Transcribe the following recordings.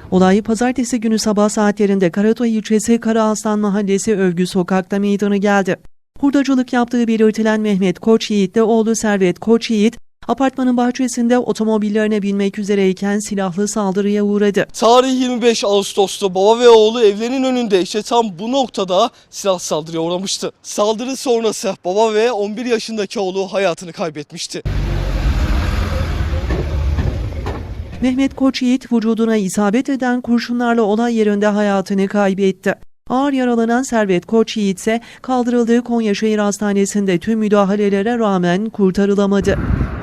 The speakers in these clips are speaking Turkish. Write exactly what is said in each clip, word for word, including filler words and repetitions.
Olay pazartesi günü sabah saatlerinde Karatoy ilçesi Karaaslan Mahallesi Övgü Sokak'ta meydana geldi. Hurdacılık yaptığı belirtilen Mehmet Koçyiğit de oğlu Servet Koçyiğit, apartmanın bahçesinde otomobillerine binmek üzereyken silahlı saldırıya uğradı. Tarih yirmi beş Ağustos'ta baba ve oğlu evlerinin önünde işte tam bu noktada silah saldırıya uğramıştı. Saldırı sonrası baba ve on bir yaşındaki oğlu hayatını kaybetmişti. Mehmet Koçyiğit vücuduna isabet eden kurşunlarla olay yerinde hayatını kaybetti. Ağır yaralanan Servet Koçyiğit ise kaldırıldığı Konyaşehir Hastanesi'nde tüm müdahalelere rağmen kurtarılamadı.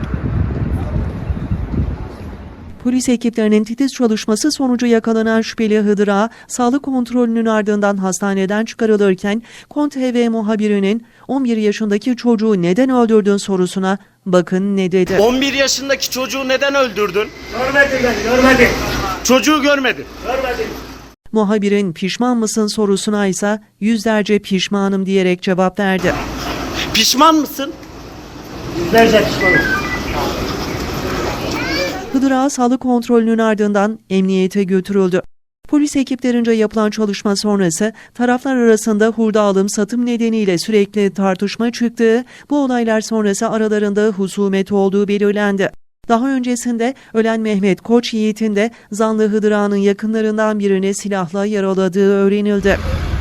Polis ekiplerinin titiz çalışması sonucu yakalanan şüpheli Hıdır Ağa, sağlık kontrolünün ardından hastaneden çıkarılırken Kont T V muhabirinin on bir yaşındaki çocuğu neden öldürdün sorusuna bakın ne dedi. on bir yaşındaki çocuğu neden öldürdün? Görmedim ben, görmedim. Çocuğu görmedin. Görmedim. Muhabirin pişman mısın sorusuna ise yüzlerce pişmanım diyerek cevap verdi. Pişman mısın? Yüzlerce pişmanım. Hıdır Ağa sağlık kontrolünün ardından emniyete götürüldü. Polis ekiplerince yapılan çalışma sonrası taraflar arasında hurda alım-satım nedeniyle sürekli tartışma çıktığı, bu olaylar sonrası aralarında husumet olduğu belirlendi. Daha öncesinde ölen Mehmet Koçyiğit'in de zanlı Hıdır Ağa'nın yakınlarından birini silahla yaraladığı öğrenildi.